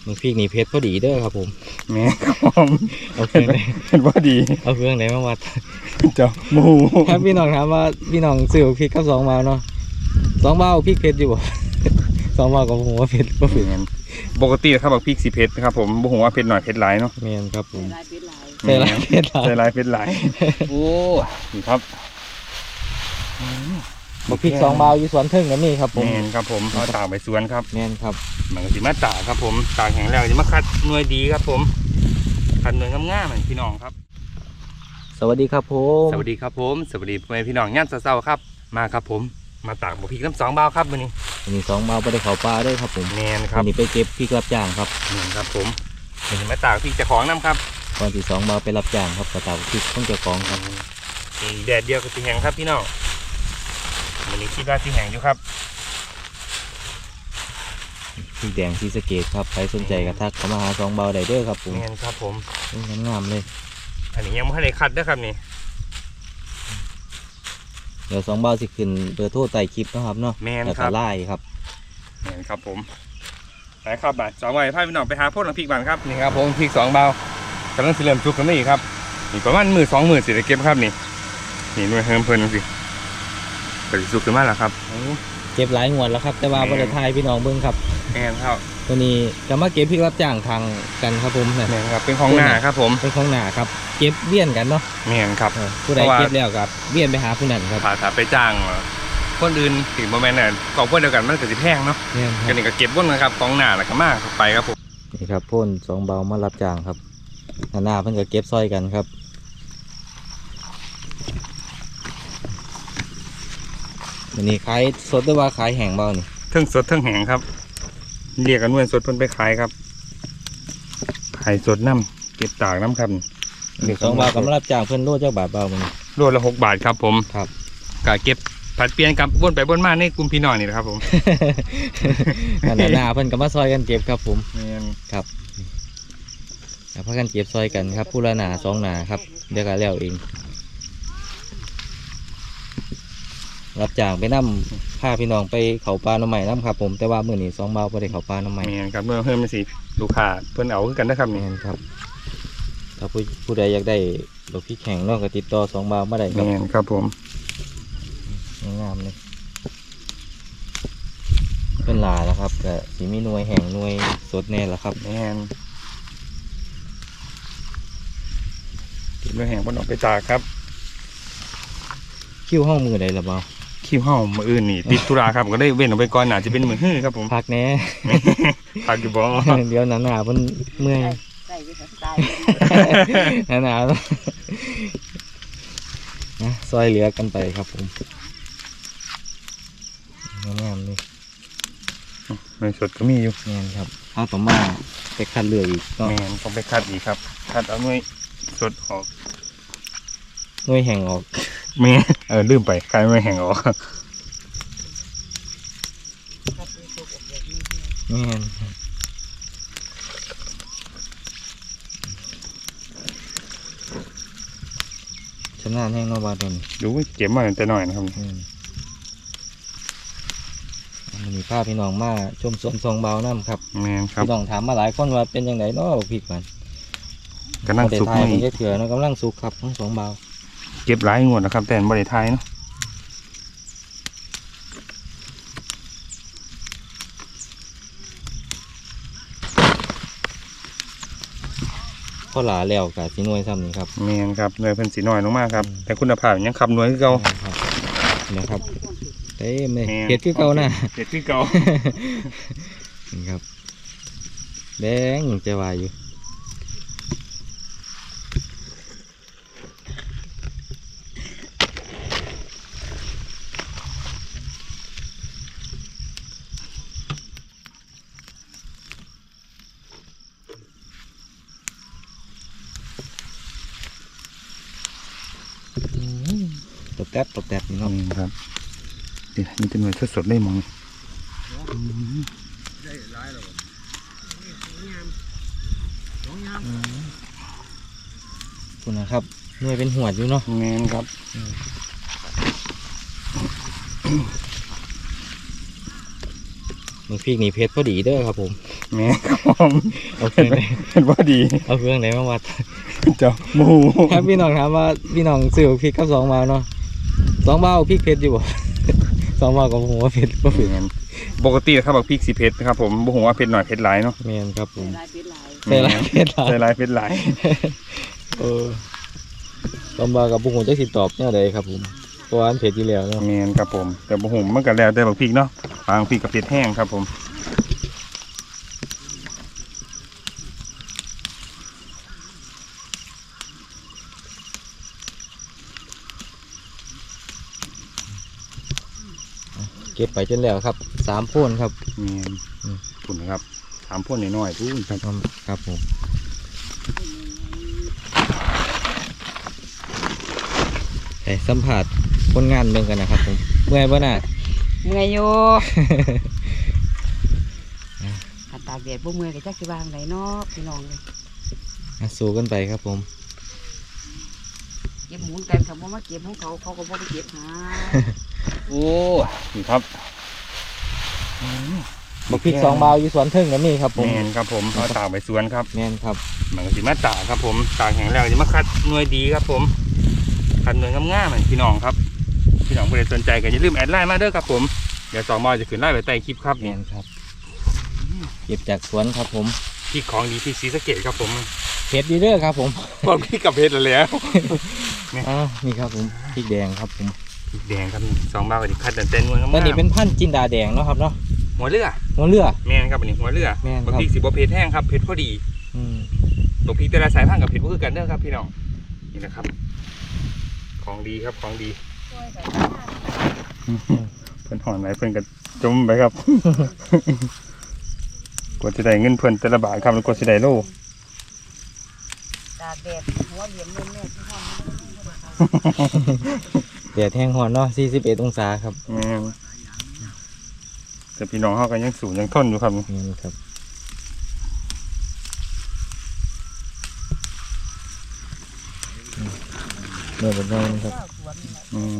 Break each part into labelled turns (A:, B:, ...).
A: มึงพริกนี่เพชรพอดีเด้อครับผม
B: แม่ครับผม
A: เอาเครื่องไหน
B: เป็นว่าดี
A: เอาเครื่องไหนมาวัด
B: เจ้าหมู
A: ครับพี่น้องถามว่าพี่น้องซื้อพริกกับ2 บาทเนาะ2 บาทพริกเพชรอยู่บ่ 2 บาทกับผมว่าเพชรก็เพชร
B: ปกตินะครับบักพริกสีเพชรนะครับผมบ่ฮู้ว่าเพชรหน่อยเพชรหลายเนาะ
A: แม่นครับผม
C: ลายเป็นลาย
A: ใส่ลายเพชรหลาย
B: ใส่หลายเพชรหลายโอ้นี่ครับ
A: บักพริก2 บาทอยู่สวนเทิงก็มีครับผม
B: แม่นครับผมเอาตากไปสวนครับ
A: แม่นครับ
B: มันก็สิมาตากครับผมตากแห้งแล้วจะมาคัดหน่วยดีครับผมคัดหน่วยงามๆเหมือนพี่น้องครับ
A: สวัสดีครับผม
B: สวัสดีครับผมสวัสดีพ่อแม่พี่น้องย่านเช้าๆครับมาครับผมมาตากบักพริกน้ำ2 บาทครับมื้อนี้
A: อันนี้2 บาทบ่ได้เข้าป่าเด้อครับผม
B: แม่นค
A: อั
B: รับ
A: นนี้ไปเก็บพริกรับจ้างครับ
B: แม่นครับผมเดี๋ยวจะมาตากพริกเจ้าของน้ำครับ
A: ก่อนที่2 บาทไปรับจ้างครับกระตากพริกของเจ้าของครับ
B: อีกแดดเดียวก็สิแห้งครับพี่น้องมื้อนี้คิดว่าสิแห้งอยู่ครับ
A: พริกแดงศรีสะเกษครับใครสนใจก็ทักเข้ามาหา2 บาทได้เด้อครับผม
B: แม่นครับผม
A: งามๆเลย
B: อันนี้ยังไม่ได้คัดเด้อครับนี่
A: เดี๋ยว2 บาทสิขึ้นเบอร์โทรใต้คลิปเนาะครับเนาะ
B: แม่น
A: แล้ว
B: ค
A: ก็
B: รับ
A: ไลน์ครับ
B: แม่นครับผมไปครับบ่าย2 วันพาพี่น้องไปหาพวกน้ำพริกบ้านครับนี่ครับผมพริก2 บาทกำลังสิเริ่มสุกกันนี่ครับนี่ประมาณมื้อ2 มื้อสิได้เก็บครับนี่นี่หน่วยเฮิมเพิ่นจังซี่ก็สิสุกขึ้นมาแล้วครับ
A: เก็บหลายงวดแล้วครับแต่ว่าบ่ได้ทายพี่น้องเบิ่งครับ
B: แม่นครับ
A: ตัวนี้ก็มาเก็บพริกรับจ้างทางกันครับผมเนี่ย
B: แม่นครับเป็นของหน้าครับผม
A: เป็นของหนาครับเก็บเวียนกันเนาะ
B: แม่นครับ
A: ผู้ใด
B: เพราะว่า
A: เก็บแล้วกับเวียนไปหาผู้นั้นครับ
B: ถ้าไปจ้างคนอื่นถึงบ่แม่นน่ะกองพวกเดียวกันมันก็สิแพงเนาะ
A: เนี่ยค
B: ก็
A: รับ
B: นี่ก็เก็บบ่นนะครับของหน้าแล้วก็มาไปครับผม
A: นี่ครับพ่น2 เบามารับจ้างครับหน้าเพิ่นก็เก็บซอยกันครับวันนี้ขายสดหรือว่าขายแห้งเบานี่
B: เทิงสดเทิงแห้งครับเรียกกันว่าสดเพิ่นไปขายครับขายสดน้ำเก็บตากน้ำครับ
A: 2 เบาก็มารับจ้างเพิ่นโลจักบาทเบามันนี่
B: โลละ6 บาทครับผม
A: ครับ
B: ก็เก็บผัดเปลี่ยนกับวนไปวนมาในกลุ่มพี่น้องนี่นะครับผม
A: หน้าเพิ่นก็มาซอยกันเก็บครับผม
B: แม่น
A: ครับพากันเก็บซอยกันครับผู้ละหนา2 หนาครับเดี๋ยวก็แล้วเองรับจ้างไปนํพาพี่น้องไปเขาปลาหน่อไม้นํครับผมแต่ว่ามื้อนี้2 เบาบ่ได้เขาปลาหน่อไม้
B: แม่นครับเมื่อเพิ่มมาสิลูกค้าเพิ่นเอาคือกันนะครับ
A: แม่
B: นี่
A: นครับถ้าผู้ใดอยากได้ดอกพริกแห้งเนาะก็ติดต่อ2 บาทมาได้ครับ
B: แม่นครับผม
A: งามเลยเป็นหลาแล้วครับก็สิมีหน่วยแห้งหน่วยสดแน่ละครับ
B: แม่นเก็บด้วยแห้งเพิ่นออกไปตากครับ
A: คิ้วห้องมือใดละเบา
B: คิวเฮามื้ออื่นนี่ติดธุระครับก็ได้เว้นออกไปก่อนน่าจะเป็นมื้อฮื้อครับผม
A: พักแน่
B: พักอยู่บ่
A: เดี๋ยวหนาๆเพิ่นเมื่อย
C: ใส่ไปค่ะตาย
A: หนาๆนะซอยเหลือกันไปครับผมงามๆเลย
B: ในสดก็มีอยู่
A: แม่นครับเอาต่อมาไปคัดเลือกอีกก็
B: แม่นต้องไปคัดอีกครับคัดเอาหน่วยสดออก
A: หน่วยแห้งออก
B: แม่ลืมไปคัดหน่วยแห้งออก
A: แม่นชำนาญแห้งเนอกบาดน
B: ดูเก็บมาตั้งแต่น้อยนะครับ
A: มันมีภาพพี่น้องมาชมสวน2 เบาน้ำครับ
B: แม่นครับ
A: พี่น้องถามมาหลายคนว่าเป็นยังไงเนาะบักพริกมัน
B: กำลังสุก
A: บ่ได้ทาย
B: นี่
A: มันจะเถื่อเนาะกำลังสุกครับทั้ง2 เบา
B: เก็บหลายงวดนะครับ แต่บ่ได้ทายเนาะ
A: ข้อหลาแล้วกับสีนวยซ้ำนี่ครับ
B: แม่นครับหน่วยเพิ่นสิน้อยลงมาครับแต่คุณภาพยังขับหน่วยคือเก่า
A: ครับนะครับเต็มเลย
B: แม่น
A: เห็ดคือเก่านะ
B: เฮ็ดคือเก่า
A: นี่ครับแดงจะวายอยู่ตบแตบนี่เนาะ
B: ครับเดี๋ยวมีแต่หน่วยสดๆได้มอง
A: คุณนะครับหน่วยเป็นหัวดอยู่เนาะ
B: แม่นครับ
A: มึงพริกนี่เพชรพอดีเด้อครับผม
B: แม่ครับผม
A: เอาเครื่องไหน
B: เห็นว่าดี
A: เอาเครื่องไหนมาวัด
B: เจ้าหมู
A: ครับพี่น้องถามว่าพี่น้องซื้อพริกกับ2 บาทเนาะ2 บาทพริกเผ็ดอยู่บ่ 2 บาทก็ผมว่าเผ็ดบ่เผ็ด
B: แม่นปกติครับบักพริกสีเผ็ดนะครับผมบ่ฮู้ว่าเผ็ดหน่อยเผ็ดหลายเนาะ
A: แม่นครับผม
C: ลายเป็นลาย
A: ใส่หลายเผ็ดหลาย
B: ใส่หลายเผ็ดหลาย
A: 2 บาทกับบุ้งจะสิตอบแนวใดครับผมเพราะว่ามันเผ็ดอยู่แล้วเนาะ
B: แม่นครับผมแต่บ่ฮู้มันก็แล้วแต่บักพริกเนาะบางพริกก็เผ็ดแห้งครับผม
A: เก็บไปจนแล้วครับ3โพนครับ
B: แม่นพุ่นนะครับถามพ่นน้อยๆพุ่นครับ
A: ครับผมไปสัมผัสคนงานเมืองกันนะครับผมเมื่อยป่ะน่ะ
C: เมื่อยอยู่ ขันตากแดดบ่เมื่อยก็จักสิวางไหนเนาะพี่น้องเลย
A: สู้กันไปครับผม
C: เก็บหมุนกันเขาบ่มาเก็บของเขาเขาก็บ่ไปเก็บหา
B: โอ้นี่ครับ
A: บักพริก2 บาทอยู่สวนเทิงก็มีครับผม
B: แม่นครับผมเอาตากไปสวนครับ
A: แม่นครับ
B: มันก็สิมาตากครับผมตากแห้งแล้วจะมาคัดหน่วยดีครับผมคัดหน่วยงามๆเหมือนพี่น้องครับพี่น้องผู้ใดสนใจก็อย่าลืมแอดไลน์มาเด้อครับผมเดี๋ยว2 บาทจะขึ้นไลน์ไว้ใต้คลิปครับ
A: แม่นครับเก็บจากสวนครับผม
B: พริกของดีที่ศรีสะเกษครับผม
A: เผ็ดดีเด้อครับผม
B: บอกพี่กับเพชรแล้ว
A: นี่ครับผมพริกแดงครับผม
B: พริกแดงครับ2 บาทก็สิคัดแต่หน่วยงาม
A: ตอนนี้เป็นพันธุ์จินดาแดงเนาะครับเนาะ
B: ๆหัวเรือ
A: หัวเรือ
B: แม่นครับอันนี้หัวเรือ
A: แม่นครับ
B: บางพริกสิบ่เผ็ดแห้งครับเผ็ดพอดี
A: อืม
B: ตัวพริกแต่ละสายพันธุ์กับเผ็ดบ่คือกันเด้อครับพี่น้องนี่นะครับ ของดีครับของดี เพิ่นหอนไหนเพิ่นก็จมไปครับ กว่าจะได้เงินเพิ่นแต่ละบาทครับแล้วกว่าจะได้โล
C: ตากแดดหัวเหลี่ยมแม่ๆที่ห้อง
A: แดดแห้งหอนเนาะ41 องศาครับ
B: แม่นแต่พี่น้องเขาก็ยังสูงยังทนอยู่ครับ
A: นี่ครับเมื่อวันนี้ครับ
B: อืม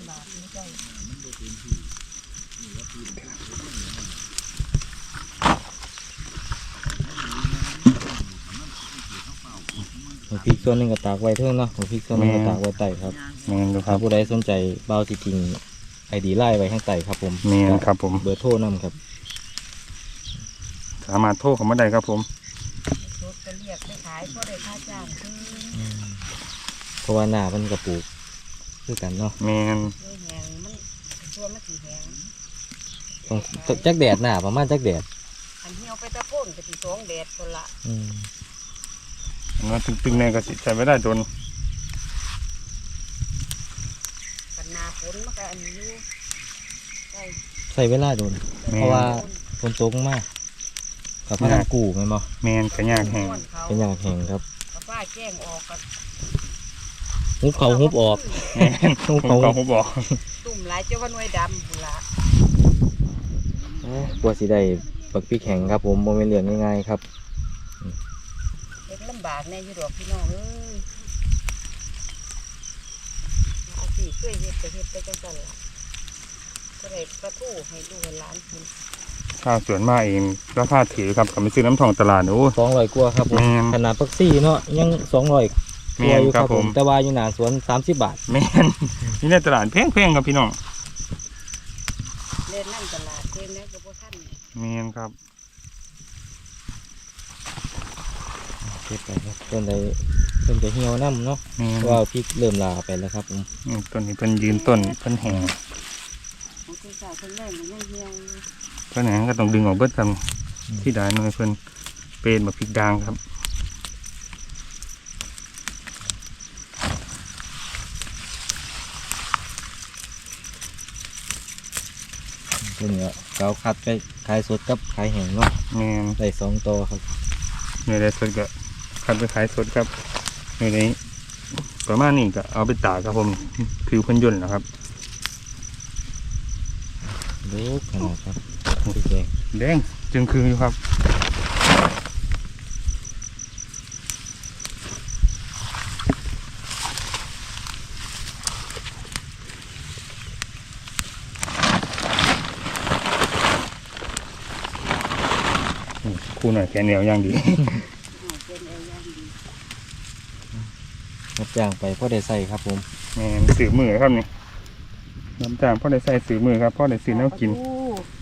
A: หัวพริกส่วนหนึ่งก็ตากไว้เทิงเนาะหัวพริกส่วนหนึ่งก็ตากไว้ใต้ครับ
B: แม่นดูค
A: ถ้า
B: รับ
A: ผู้ใดสนใจเบาสิจริงไอดีไล่ไว้ข้างใต้ครับผม
B: แม่นครับผม
A: เบอร์โทรนํครับ
B: สามารถโทรเข้ามาได้ครับผม
C: ชุดก็เรียกไปขายก็ได้ค่าจ้างคือ
A: เพราะว่าหน้ามันกระปลูกคือกันเนาะ
B: แม่น
C: ไม่แหงมันตัวมันสีแหง
A: ต้องจักแดดหน้าประมาณจักแดด
C: อันเหี่ยวไปตะโก้นก็สิสองแดดคนละ
A: อืม
B: มันตึงๆแน่ก็สิใช้ไม่ได้จน
C: กันนาฝนมันก็อันนี้อยู่ได้
A: ใส่เวลาโดน
B: แม่
A: เพราะว่า
B: น
A: ฝนตกมากกับพนักกูแม่นบ่
B: แม่นกระยากแห้ง
C: เขา
A: เป็นอย่างแห้งครับ
C: กับป้าแจ้งออกกับ
A: ฮุบเขาฮุบออก
B: แม่น
A: ฮุบ
B: ผม
A: เขา
B: ก็ผมบอก
C: ตุ่มหลายเจ้าว่าหน่วยดำบุนละ
A: กลัวสิได้บักพริกแข็งครับผมโมเมนเรื่องง่ายๆครับ
C: เด็กลำบากแน่อยู่ดอกพี่น้องเอ้ยอาสิช่วยเฮ็ดไปเฮ็ดไปจังซั่นล่ะก็ได้ประทูให้ลูกให้หลานกิน
B: ข้าวสวนมาเองราคาถือครับก็ไปซื้อน้ำทองตลาดโอ้
A: 200กว่าครับผม
B: แม่น
A: ขนาดพักซี่เนาะยัง200ก
B: แม่
A: ว่าน อยู่
B: ค
A: ค
B: รั
A: รั
B: บบ ผ
A: ผม มแต่ว่าอยู่หน้าสวน30 บาท
B: แม่นนี่ในตลาดแพงๆครับพี่น้อง
C: เล่นนั่งตลาดเทมแล้วก็บ่ทัน
B: แม่นครับ
A: เก็บไปครับต้นใดต้นจะเหี่ยวน้ำเนาะ
B: แม่น
A: เพราะว่าพริกเริ่มลาไปแล้วครับผม
B: ต้นนี้เพิ่นยืนต้นเพิ่นแห้ง
C: ของคุณสาวคนแรกมันยังเหี่ยวอยู่
B: เพิ่นแห้งก็ต้องดึงออกเบิดครับที่ได้หน่อยเพิ่นเป็นแบบพริกด่างครับ
A: ตัวนี้เราคัดไปขายสดกับขายแห้งเนาะ
B: แม่น
A: ได้2ตัวครับ
B: เนื้อได้สดก็คัดไปขายสดครับเนื้อนี้ประมาณนี้ก็เอาไปตากครับผมผิวเพิ่นย่นนะครับ
A: ดูขนาดครับพริกแดง
B: แดงจึงคืออยู่ครับปูหน่อยแขนเหนียวอย่างดี
C: เป็นเอาอย่างดี
A: รับจ้างไปพ่อได้ใส่ครับผม
B: แม่นสื่อมือครับนี่น้ำจางพ่อได้ใส่สื่อมือครับพ่อได้สื่อแนวกิน
C: ปลาทู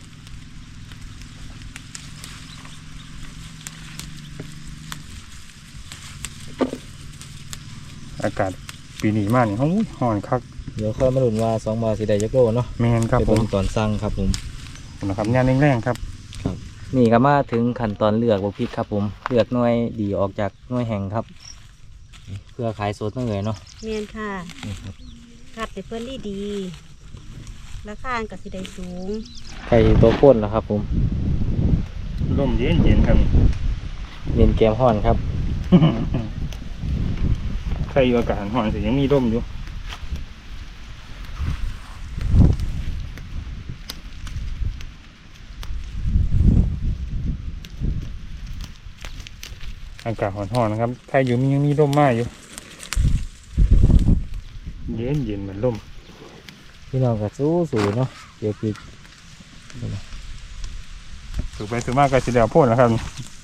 B: อากาศปีนี้มากนี่ฮ้อนคัก
A: เดี๋ยวค่อยมาลุ้นว่า2บาทสิได้จักโลเนาะ
B: แม่นครับ
A: ไป
B: ผ
A: เบิ่
B: ม
A: งตอนสั่งครับผม
B: นะครับงานแรงๆครับ
A: นี่ก็มาถึงขั้นตอนเลือกบักพริกครับผมเลือกหน่วยดีออกจากหน่วยแห้งครับนี่เพื่อขายสดนั่นเลยเนาะ
C: แม่นค่ะ
A: นี่ครับ
C: คัดให้เพิ่นดีๆราคาก็สิได้สูง
A: ไข่ตัวข้นนะครับผม
B: ร่มเย็นๆครับ
A: เย็นแกมห้อนครับ
B: ใครอยู่อากาศร้อนแต่ยังมีร่มอยู่อากาศร้อนๆนะครับใครอยู่ยังมีร่มมากอยู่เย็นเหมือนร่ม
A: พี่น้องก็สู้ๆเนาะเดี๋ยวพริก
B: สูบไปสูบมากก็จะเดียวโพ่นนะครับ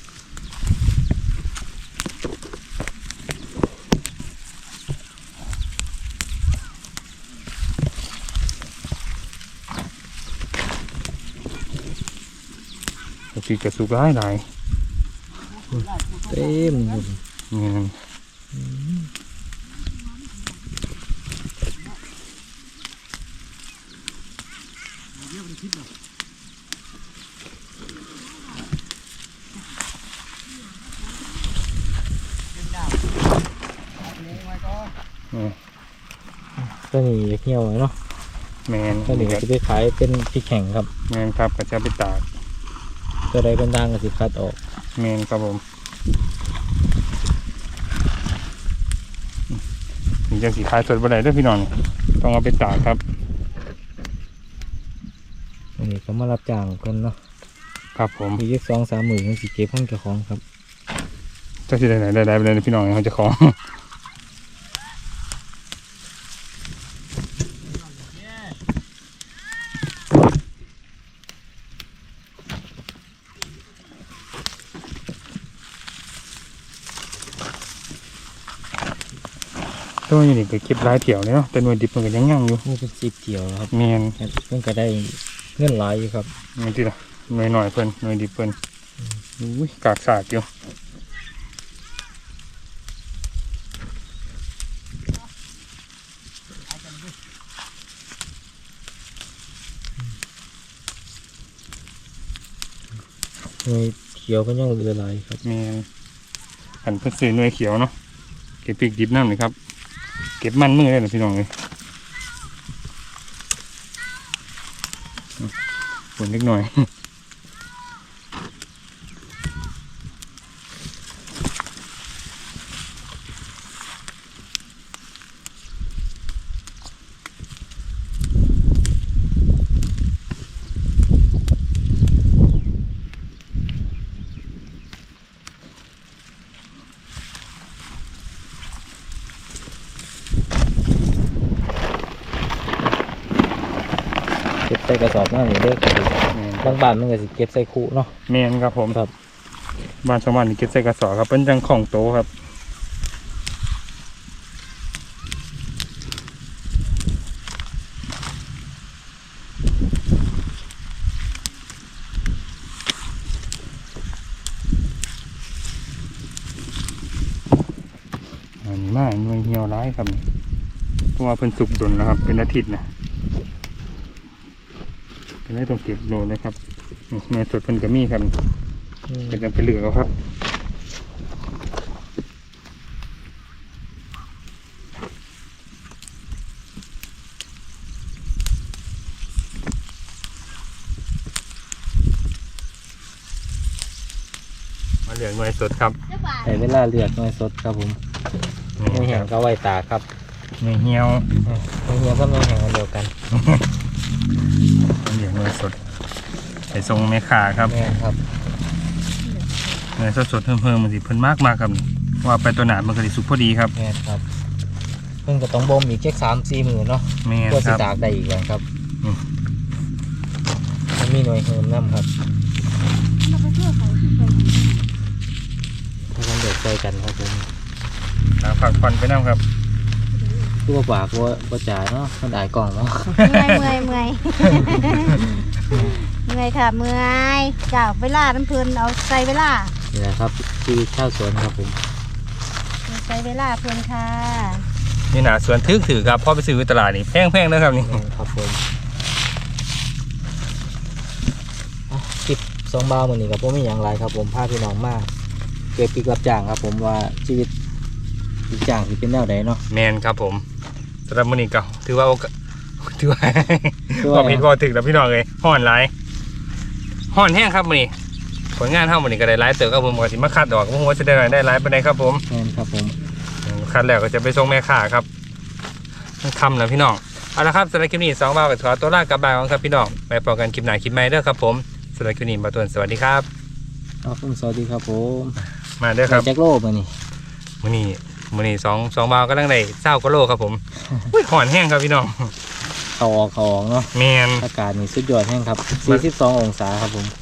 B: ปีกระสุกร้ายหลาย
A: เต็มอยู่
B: นี่นั่นนี่
A: ก็นี่อยากเหี่ยวเนาะ
B: แมน
A: ก็นี่ก็จะไปขายเป็นพริกแข็งครับ
B: แมนครับก็จะไปตาก
A: ตัวใดเป็นด่างก็สิคัดออก
B: แมนครับผมนี่จังสีขายสดบ่ได้เด้วยพี่น้องต้องเอาไปตากครับ
A: อันนี้ก็มารับจ้างกันเนาะ
B: ครับผม
A: อีก2-3 หมื่นยังสิเก็บห้องเจ้าของครับ
B: เจ้าสิได้ไหนได้ไปเลยพี่น้องเขาจะของ ตัวอยู่นี่ก็เก็บหลายเถี่ยวเลยเนาะแต่หน่วยดิบมันก็ยังยั่งอยู่
A: นี่เป็น10เกี่ยวแล้วครับ
B: แมน
A: เพิ่นก็ได้เงินหลายอยู่ครับ
B: นี่ที่ละหน่วยหน่อยเพิ่นหน่วยดิบเพิ่นอุ้ยกากสากอยู่
A: หน่วยเขียวก็ยังเหลือหลายครับ
B: แมนหันเพิ่นซื้อหน่วยเขียวเนาะเก็บปีกดิบน้ำเลยครับเก็บมันมือได้เลยพี่น้องเลยฝนเล็กหน่อย
A: เก็บใส่กระสอบนั่นนี่เด้อครับบางบ้านมันก็สิเก็บใส่คุเนาะ
B: แมนครับผม
A: ครับ
B: บ้านชาวบ้านนี่เก็บใส่กระสอบครับเป็นจังของโตครับอันนี้มากหน่วยเหี่ยวร้ายครับนี่เพราะว่าเพิ่นสุกดนนะครับเป็นอาทิตย์นะเป็นได้ต้องเก็บโลเลยครับนี่แม่สดเพิ่นก็มีครับ
A: อืม
B: เป็นจังไปเหลือเอาครับมาเหลือหน่วยสดครับ
A: ใส่เวลาเลือกหน่วยสดครับผมหน่วยแห้งก็ไว้ตากครับ
B: หน่วยเหี่ยว
A: หน่วยเหี่ยวก็หน่วยแห้งอันเดียวกัน
B: เหลือหน่วยสดใส่ทรงแม่ขาครับ
A: แม่นครับ
B: หน่วยสดๆเพิ่มมันสิเพิ่นมากครับว่าไปตัวหนามันก็สิสุกพอดีครับ
A: แม่นครับเพิ่นก็ต้องบ่มอีกแค่3-4 มื้อเนาะ
B: แม่น
A: เพื่อ
B: ค
A: สิ
B: รับ
A: ตากได้อีกแล้วครับ
B: อืม
A: มันมีหน่วยเฮิมน้ำครับ
C: เราไปเที่ยวเขาที่ไป
A: ใจกันครับผม
B: ผักผ่อนไปน้ำครับ
A: คือว่าปากว่าจ่าเนาะมันอายกล่องเนาะ
D: เมื่อยเมื่อยค่ะเมื่อยจ้าเวลาน้ำเพลินเอาใส่เวลา
A: นี่แหละครับชีวิตชาวสวนครับผม
D: ใส่เวลาเพลินค่ะ
B: นี่หนาสวนถือครับพ่อไปซื้ออยู่ตลาดนี่แพงนะครับนี่
A: ครับผมคลิปสองบาวมือนี้กับผมมีอย่างไรครับผมพาพี่น้องมาเก็บปีกรับจ้างครับผมว่าชีวิตปีกจ้างที่เป็นแนวใดเนาะ
B: แมนครับผมสำหรับมื้อนี้ก็ถือว่าถือว่า
A: คือ
B: พอ
A: ว่า
B: ผิดพอถึกแล้วพี่น้องเลยห่อนหลายห่อนแห้งครับมื้อนี้ผลงานเฮามื้อนี้ก็ได้หลายเติบครับผมก็สิมาคัดดอกบ่ฮู้ว่าสิได้หลายปานใดครับผม
A: แม่นครับผม
B: คัดแล้วก็จะไปส่งแม่ค้าครับมันค่ำแล้วพี่น้องเอาละครับสำหรับคลิปนี้2บ่าวก็ขอตัวลากลับบ้านก่อนครับพี่น้องไปพบกันคลิปหน้าคลิปใหม่เด้อครับผมสำหรับคลิปนี้บ่าวต้นสวัสดีครับ
A: ครับผมสวัสดีครับผม
B: มาเด้อครับ
A: แจ็คโลมานี่
B: มื้อนี้สองบ่าวกำลังได้20กว่าโลครับผมอุ้ยห่อนแห้งครับพี่น้อง
A: เขาออกเนาะ
B: แม่น
A: อากาศนี่สุดยอดแห้งครับ42 องศาครับผม